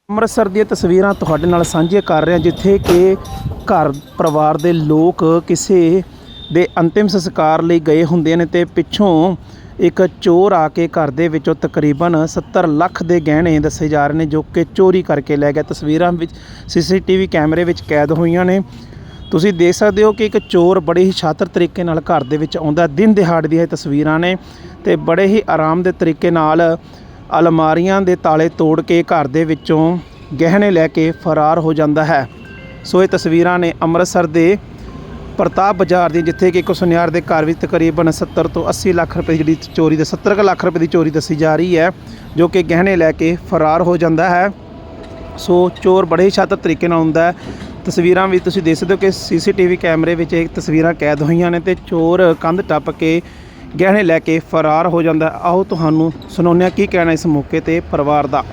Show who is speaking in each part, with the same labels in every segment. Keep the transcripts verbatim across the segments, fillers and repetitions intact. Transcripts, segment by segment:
Speaker 1: ਅੰਮ੍ਰਿਤਸਰ ਦੀਆਂ ਤਸਵੀਰਾਂ ਤੁਹਾਡੇ ਨਾਲ ਸਾਂਝੀਆਂ ਕਰ ਰਹੇ ਹਾਂ, ਜਿੱਥੇ ਕਿ ਘਰ ਪਰਿਵਾਰ ਦੇ ਲੋਕ ਕਿਸੇ ਦੇ ਅੰਤਿਮ ਸੰਸਕਾਰ ਲਈ ਗਏ ਹੁੰਦੇ ਨੇ ਤੇ ਪਿੱਛੋਂ ਇੱਕ ਚੋਰ ਆ ਕੇ ਘਰ ਦੇ ਵਿੱਚੋਂ ਤਕਰੀਬਨ ਸੱਤਰ ਲੱਖ ਦੇ ਗਹਿਣੇ ਦੱਸੇ ਜਾ ਰਹੇ ਨੇ, ਜੋ ਕਿ ਚੋਰੀ ਕਰਕੇ ਲੈ ਗਿਆ। ਤਸਵੀਰਾਂ ਵਿੱਚ ਸੀਸੀਟੀਵੀ ਕੈਮਰੇ ਵਿੱਚ ਕੈਦ ਹੋਈਆਂ ਨੇ। ਤੁਸੀਂ ਦੇਖ ਸਕਦੇ ਹੋ ਕਿ ਇੱਕ ਚੋਰ ਬੜੇ ਹੀ ਸ਼ਾਤਰ ਤਰੀਕੇ ਨਾਲ ਘਰ ਦੇ ਵਿੱਚ ਆਉਂਦਾ। ਦਿਨ ਦਿਹਾੜੇ ਦੀਆਂ ਇਹ ਤਸਵੀਰਾਂ ਨੇ ਤੇ ਬੜੇ ਹੀ ਆਰਾਮ ਦੇ ਤਰੀਕੇ ਨਾਲ ਅਲਮਾਰੀਆਂ ਦੇ ਤਾਲੇ ਤੋੜ ਕੇ ਘਰ ਦੇ ਵਿੱਚੋਂ ਗਹਿਣੇ ਲੈ ਕੇ ਫਰਾਰ ਹੋ ਜਾਂਦਾ ਹੈ। ਸੋ ਇਹ ਤਸਵੀਰਾਂ ਨੇ ਅੰਮ੍ਰਿਤਸਰ ਦੇ ਪ੍ਰਤਾਪ ਬਾਜ਼ਾਰ ਦੀ, ਜਿੱਥੇ ਕਿ ਇੱਕ ਸੁਨਿਆਰ ਦੇ ਘਰ ਵਿੱਚ ਤਕਰੀਬਨ ਸੱਤਰ ਤੋਂ ਅੱਸੀ ਲੱਖ ਰੁਪਏ ਜਿਹੜੀ ਚੋਰੀ ਦੇ ਸੱਤਰ ਕੁ ਲੱਖ ਰੁਪਏ ਦੀ ਚੋਰੀ ਦੱਸੀ ਜਾ ਰਹੀ ਹੈ, ਜੋ ਕਿ ਗਹਿਣੇ ਲੈ ਕੇ ਫਰਾਰ ਹੋ ਜਾਂਦਾ ਹੈ। ਸੋ ਚੋਰ ਬੜੇ ਹੀ ਸ਼ਾਤਰ ਤਰੀਕੇ ਨਾਲ ਹੁੰਦਾ ਹੈ। ਤਸਵੀਰਾਂ ਵਿੱਚ ਤੁਸੀਂ ਦੇਖ ਸਕਦੇ ਹੋ ਕਿ ਸੀਸੀਟੀਵੀ ਕੈਮਰੇ ਵਿੱਚ ਇਹ ਤਸਵੀਰਾਂ ਕੈਦ ਹੋਈਆਂ ਨੇ ਤੇ ਚੋਰ ਕੰਧ ਟੱਪ ਕੇ ਗਹਿਣੇ ਲੈ ਕੇ ਫਰਾਰ ਹੋ ਜਾਂਦਾ। ਆਓ ਤੁਹਾਨੂੰ ਸੁਣਾਉਂਦੇ ਹਾਂ ਕੀ ਕਹਿਣਾ ਇਸ ਮੌਕੇ ਤੇ ਪਰਿਵਾਰ ਦਾ।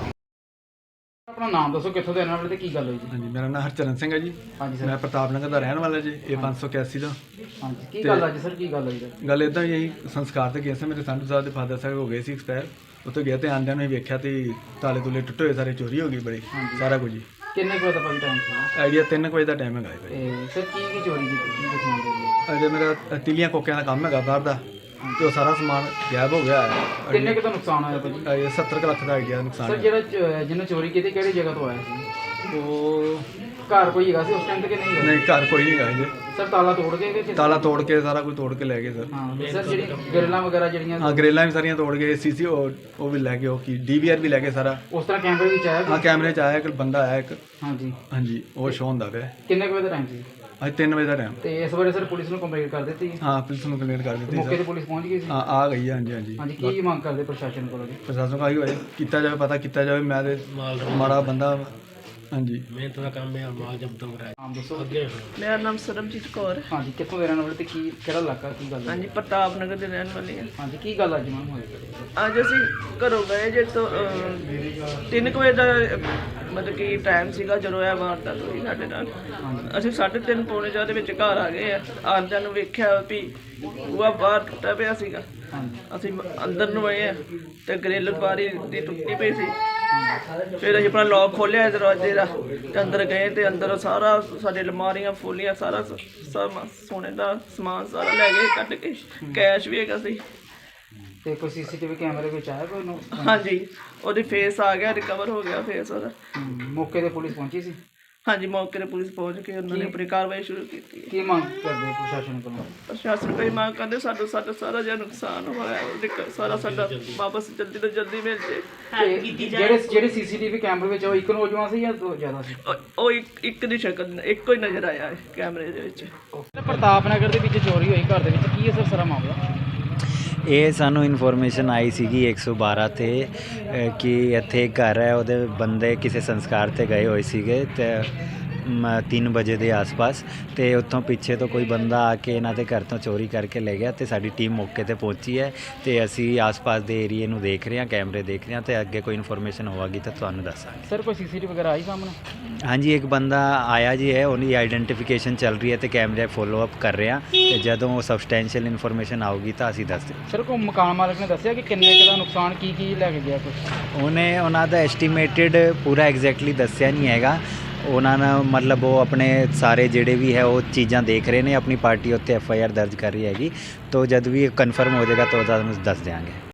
Speaker 2: ਆਪਣਾ ਨਾਮ ਦੱਸੋ, ਕਿੱਥੋਂ ਦੇ ਰਹਿਣ ਵਾਲੇ ਤੇ ਕੀ ਗੱਲ ਹੋਈ ਜੀ?
Speaker 3: ਹਾਂਜੀ, ਮੇਰਾ ਨਾਮ ਹਰਚਰਨ ਸਿੰਘ ਹੈ ਜੀ।
Speaker 2: ਹਾਂਜੀ ਸਰ।
Speaker 3: ਮੈਂ ਪ੍ਰਤਾਪ ਨਗਰ ਦਾ ਰਹਿਣ ਵਾਲਾ ਜੀ, ਇਹ ਪੰਜ ਸੌ ਇਕਿਆਸੀ ਦਾ।
Speaker 2: ਹਾਂਜੀ, ਕੀ ਗੱਲ ਅੱਜ ਸਰ, ਕੀ ਗੱਲ ਹੋਈ ਜੀ?
Speaker 3: ਗੱਲ ਇੱਦਾਂ ਹੀ ਸੰਸਕਾਰ ਤੇ ਗਏ ਸੀ, ਮੇਰੇ ਸੰਧੂ ਸਾਹਿਬ ਦੇ ਫਾਦਰ ਸਾਹਿਬ ਹੋ ਗਏ ਸੀ ਐਕਸਪਾਇਰ। ਉੱਥੇ ਗਿਆ ਤੇ ਆਂਦਿਆਂ ਨੂੰ ਹੀ ਵੇਖਿਆ ਤੇ ਤਾਲੇ ਤੁਲੇ ਟੁੱਟੇ ਹੋਏ, ਸਾਰੇ ਚੋਰੀ ਹੋ ਗਈ ਬੜੀ, ਸਾਰਾ ਕੁਝ ਜੀ।
Speaker 2: ਕਿੰਨੇ ਕੁ ਵਜੇ ਦਾ ਭਾਈ ਟਾਈਮ ਸੀ?
Speaker 3: ਆਈਡੀਆ ਤਿੰਨ ਕੁ ਵਜੇ ਦਾ ਟਾਈਮ ਹੈਗਾ ਜੀ।
Speaker 2: ਤੇ ਸਰ ਕੀ ਕੀ ਚੋਰੀ ਕੀਤੀ, ਕੀ ਦਿਖਾਉਣ ਦੇ?
Speaker 3: ਅਜੇ ਮੇਰਾ ਤਿਲੀਆਂ ਕੋਕਿਆਂ ਦਾ ਕੰਮ ਹੈਗਾ ਬਾਹਰ ਦਾ, ਤੇ ਉਹ ਸਾਰਾ ਸਮਾਨ ਗਾਇਬ ਹੋ ਗਿਆ ਹੈ।
Speaker 2: ਕਿੰਨੇ ਕੁ ਦਾ ਨੁਕਸਾਨ ਹੋਇਆ ਭਾਜੀ?
Speaker 3: ਇਹ ਸੱਤਰ ਕੁ ਲੱਖ ਦਾ ਆਈਡੀਆ ਨੁਕਸਾਨ
Speaker 2: ਸਰ
Speaker 3: ਹੈ।
Speaker 2: ਜਿਹੜਾ ਚ- ਜਿਹਨੇ ਚੋਰੀ ਕੀਤੀ ਕਿਹੜੀ ਜਗ੍ਹਾ ਤੋਂ ਆਇਆ ਸੀ?
Speaker 3: ਉਹ
Speaker 2: ਘਰ ਕੋਈ ਹੈਗਾ ਸੀ ਉਸ ਟਾਈਮ ਤੇ ਕਿ ਨਹੀਂ ਹੈਗਾ?
Speaker 3: ਨਹੀਂ, ਘਰ ਕੋਈ ਨਹੀਂ ਹੈਗਾ ਜੀ।
Speaker 2: ਸਰ ਤਾਲਾ ਤੋੜ ਕੇ ਕਿ
Speaker 3: ਤਾਲਾ ਤੋੜ ਕੇ ਸਾਰਾ ਕੁਝ ਤੋੜ ਕੇ ਲੈ ਗਏ ਸਰ।
Speaker 2: ਹਾਂ ਸਰ, ਜਿਹੜੀ ਗਰਲਾਂ ਵਗੈਰਾ ਜਿਹੜੀਆਂ
Speaker 3: ਹਾਂ, ਗਰੇਲਾਂ ਵੀ ਸਾਰੀਆਂ ਤੋੜ ਗਏ, ਸੀਸੀ ਉਹ ਵੀ ਲੈ ਗਏ, ਉਹ ਕੀ ਡੀਵੀਆਰ ਵੀ ਲੈ ਗਏ ਸਾਰਾ।
Speaker 2: ਉਸ ਤਰ੍ਹਾਂ ਕੈਮਰੇ ਵਿੱਚ ਆਇਆ
Speaker 3: ਹਾਂ,
Speaker 2: ਕੋਈ?
Speaker 3: ਕੈਮਰੇ 'ਚ ਆਇਆ ਇੱਕ ਬੰਦਾ ਆਇਆ ਇੱਕ।
Speaker 2: ਹਾਂਜੀ।
Speaker 3: ਹਾਂਜੀ, ਉਹ ਸ਼ੋਅ ਹੁੰਦਾ ਪਿਆ।
Speaker 2: ਕਿੰਨੇ ਕੁ ਵਜੇ ਦਾ ਟਾਈਮ ਸੀ?
Speaker 3: ਅੱਜ ਤਿੰਨ ਵਜੇ ਦਾ ਟਾਈਮ।
Speaker 2: ਤੇ ਇਸ ਬਾਰੇ ਸਰ ਪੁਲਿਸ ਨੂੰ ਕੰਪਲੇਂਟ ਕਰ ਦਿੱਤੀ?
Speaker 3: ਹਾਂ, ਪੁਲਿਸ ਨੂੰ ਕੰਪਲੇਂਟ ਕਰ ਦਿੱਤੀ
Speaker 2: ਮੌਕੇ
Speaker 3: ਸਰ।
Speaker 2: ਤੇ ਪੁਲਿਸ ਪਹੁੰਚ ਗਈ ਸੀ?
Speaker 3: ਹਾਂ, ਆ ਗਈ ਹੈ। ਹਾਂਜੀ ਹਾਂਜੀ
Speaker 2: ਹਾਂਜੀ, ਕੀ ਮੰਗ ਕਰਦੇ ਪ੍ਰਸ਼ਾਸਨ ਕੋਲੋਂ ਜੀ?
Speaker 3: ਪ੍ਰਸ਼ਾਸਨ ਕਹੀ ਹੋਏ ਕੀਤਾ ਜਾਵੇ, ਪਤਾ ਕੀਤਾ ਜਾਵੇ। ਮੈਂ ਤੇ ਮਾੜਾ ਬੰਦਾ। ਹਾਂਜੀ,
Speaker 4: ਮਿਹਨਤ ਦਾ ਕੰਮ ਹੈ, ਮਾਲ ਜਬਤ ਹੋ ਰਿਹਾ ਹੈ।
Speaker 2: ਨਾਮ ਦੱਸੋ।
Speaker 4: ਅੱਗੇ
Speaker 5: ਮੇਰਾ ਨਾਮ ਸਰਬਜੀਤ ਕੌਰ।
Speaker 2: ਹਾਂਜੀ, ਕਿੱਥੋਂ ਦੇ ਰਹਿਣ ਵਾਲੇ ਤੇ ਕੀ ਕਿਹੜਾ ਇਲਾਕਾ, ਕੀ ਗੱਲ ਹੈ?
Speaker 5: ਹਾਂਜੀ, ਪ੍ਰਤਾਪ ਨਗਰ ਦੇ ਰਹਿਣ ਵਾਲੀ ਹਾਂ।
Speaker 2: ਹਾਂਜੀ, ਕੀ ਗੱਲ ਅੱਜ ਮੈਮ ਹੋਈ?
Speaker 5: ਅੱਜ ਅਸੀਂ ਘਰੋਂ ਗਏ ਜੇ ਤੋਂ ਅਹ, ਤਿੰਨ ਕੁ ਵਜੇ ਦਾ ਅਹ, ਮਤਲਬ ਕਿ ਟਾਈਮ ਸੀਗਾ ਜਦੋਂ ਇਹ ਵਾਰਦਾਤ ਹੋਈ ਸਾਡੇ ਨਾਲ। ਅਸੀਂ ਸਾਢੇ ਤਿੰਨ ਪੌਣੇ ਚਾਰ ਦੇ ਵਿੱਚ ਘਰ ਆ ਗਏ ਆ। ਆਉਂਦਿਆਂ ਨੂੰ ਵੇਖਿਆ ਵੀ ਬੂਹਾ ਬਾਹਰ ਟੁੱਟਾ ਪਿਆ ਸੀਗਾ। ਅਸੀਂ ਅੰਦਰ ਨੂੰ ਆਏ ਆ ਤੇ ਗ੍ਰਿਲ ਬਾਰੀ ਦੀ ਟੁੱਟੀ ਪਈ ਸੀ। ਫਿਰ ਅਸੀਂ ਆਪਣਾ ਲੌਕ ਖੋਲ੍ਹਿਆ ਦਰਵਾਜ਼ੇ ਦਾ ਤੇ ਅੰਦਰ ਗਏ ਤੇ ਅੰਦਰ ਸਾਰਾ ਸਾਡੇ ਅਲਮਾਰੀਆਂ ਫੋਲੀਆਂ, ਸਾਰਾ ਸ- ਸਮ- ਸੋਨੇ ਦਾ ਸਮਾਨ ਸਾਰਾ ਲੈ ਗਏ ਕੱਢ ਕੇ। ਕੈਸ਼ ਵੀ ਹੈਗਾ ਸੀ।
Speaker 2: ਤੇ ਕੋਈ ਸੀਸੀਟੀਵੀ ਕੈਮਰੇ ਵਿੱਚ ਆਇਆ ਕੋਈ ਨੂੰ?
Speaker 5: ਹਾਂਜੀ, ਉਹਦੀ ਫੇਸ ਆ ਗਿਆ, ਰਿਕਵਰ ਹੋ ਗਿਆ ਫੇਸ ਉਹਦਾ।
Speaker 2: ਹਮ, ਮੌਕੇ ਤੇ ਪੁਲਿਸ ਪਹੁੰਚੀ ਸੀ?
Speaker 5: ਹਾਂਜੀ, ਮੌਕੇ ਤੇ ਪੁਲਿਸ ਪਹੁੰਚ ਕੇ ਉਹਨਾਂ ਨੇ ਆਪਣੀ ਕਾਰਵਾਈ ਸ਼ੁਰੂ ਕੀਤੀ ਹੈ।
Speaker 2: ਕੀ ਮੰਗ ਕਰਦੇ ਪ੍ਰਸ਼ਾਸਨ ਕੋਲੋਂ?
Speaker 5: ਪ੍ਰਸ਼ਾਸਨ ਕੋਈ ਮੰਗ ਕਰਦੇ ਸਾਡਾ ਸਾਡਾ ਸਾਰਾ ਜਿਹੜਾ ਨੁਕਸਾਨ ਹੋਇਆ ਉਹਦੇ ਕ- ਸਾਰਾ ਸਾਡਾ ਵਾਪਸ ਜਲਦੀ ਤੋਂ ਜਲਦੀ ਮਿਲ ਜੇ।
Speaker 2: ਤੇ ਜਿਹੜੇ ਜਿਹੜੇ ਸੀਸੀਟੀਵੀ ਕੈਮਰੇ ਵਿੱਚ ਉਹ ਇੱਕ ਨੌਜਵਾਨ ਸੀ ਜਾਂ ਦੋ ਜ਼ਿਆਦਾ ਸੀ?
Speaker 5: ਉਹ- ਉਹ ਇੱਕ ਇੱਕ ਦੀ ਸ਼ਕਲ ਇੱਕੋ ਹੀ ਨਜ਼ਰ ਆਇਆ ਹੈ ਕੈਮਰੇ ਦੇ ਵਿੱਚ।
Speaker 2: ਪ੍ਰਤਾਪ ਨਗਰ ਦੇ ਵਿੱਚ ਚੋਰੀ ਹੋਈ ਘਰ ਦੇ ਵਿੱਚ, ਕੀ ਹੈ ਸਰ ਸਾਰਾ ਮਾਮਲਾ?
Speaker 6: ਇਹ ਸਾਨੂੰ ਇਨਫੋਰਮੇਸ਼ਨ ਆਈ ਸੀਗੀ ਇੱਕ ਸੌ ਬਾਰਾਂ 'ਤੇ ਅ, ਕਿ ਇੱਥੇ ਇੱਕ ਘਰ ਹੈ, ਉਹਦੇ ਬੰਦੇ ਕਿਸੇ ਸੰਸਕਾਰ 'ਤੇ ਗਏ ਹੋਏ ਸੀਗੇ ਤੇ ਮ- ਤਿੰਨ ਵਜੇ ਦੇ ਆਸ-ਪਾਸ, ਅਤੇ ਉੱਥੋਂ ਪਿੱਛੇ ਤੋਂ ਕੋਈ ਬੰਦਾ ਆ ਕੇ ਇਹਨਾਂ ਦੇ ਘਰ ਤੋਂ ਚੋਰੀ ਕਰਕੇ ਲੈ ਗਿਆ। ਅਤੇ ਸਾਡੀ ਟੀਮ ਮੌਕੇ 'ਤੇ ਪਹੁੰਚੀ ਹੈ ਅਤੇ ਅਸੀਂ ਆਸ-ਪਾਸ ਦੇ ਏਰੀਏ ਨੂੰ ਦੇਖ ਰਹੇ ਹਾਂ, ਕੈਮਰੇ ਦੇਖ ਰਹੇ ਹਾਂ, ਅਤੇ ਅੱਗੇ ਕੋਈ ਇਨਫੋਰਮੇਸ਼ਨ ਹੋਵੇਗੀ ਤਾਂ ਤੁਹਾਨੂੰ ਦੱਸਾਂਗੇ।
Speaker 2: ਸਰ ਕੋਈ ਸੀਸੀਟੀਵੀ ਵਗੈਰਾ ਆਈ ਸਾਹਮਣੇ?
Speaker 6: ਹਾਂਜੀ, ਇੱਕ ਬੰਦਾ ਆਇਆ ਜੀ ਹੈ, ਉਹਦੀ ਆਈਡੈਂਟੀਫਿਕੇਸ਼ਨ ਚੱਲ ਰਹੀ ਹੈ ਅਤੇ ਕੈਮਰੇ ਫੋਲੋ ਅਪ ਕਰ ਰਹੇ ਹਾਂ, ਅਤੇ ਜਦੋਂ ਸਬਸਟੈਂਸ਼ੀਅਲ ਇਨਫੋਰਮੇਸ਼ਨ ਆਊਗੀ ਤਾਂ ਅਸੀਂ ਦੱਸ ਦਿਆਂਗੇ।
Speaker 2: ਸਰ ਕੋਈ ਮਕਾਨ ਮਾਲਕ ਨੇ ਦੱਸਿਆ ਕਿ ਕਿੰਨੇ ਕੁ ਦਾ ਨੁਕਸਾਨ, ਕੀ ਕੀ ਲੈ ਕੇ ਗਿਆ ਕੁਛ?
Speaker 6: ਉਹਨੇ ਉਹਨਾਂ ਦਾ ਐਸਟੀਮੇਟਿਡ ਪੂਰਾ ਐਗਜ਼ੈਕਟਲੀ ਦੱਸਿਆ ਨਹੀਂ ਹੈਗਾ। ਉਹਨਾਂ ਨੇ ਮਤਲਬ ਉਹ ਆਪਣੇ ਸਾਰੇ ਜਿਹੜੇ ਵੀ ਹੈ ਉਹ ਚੀਜ਼ਾਂ ਦੇਖ ਰਹੇ ਨੇ, ਆਪਣੀ ਪਾਰਟੀ ਉੱਤੇ ਐਫ ਆਈ ਆਰ ਦਰਜ ਕਰ ਰਹੀ ਹੈਗੀ, ਤਾਂ ਜਦ ਵੀ ਕਨਫਰਮ ਹੋ ਜਾਏਗਾ ਤਾਂ ਤੁਹਾਨੂੰ ਦੱਸ ਦਿਆਂਗੇ।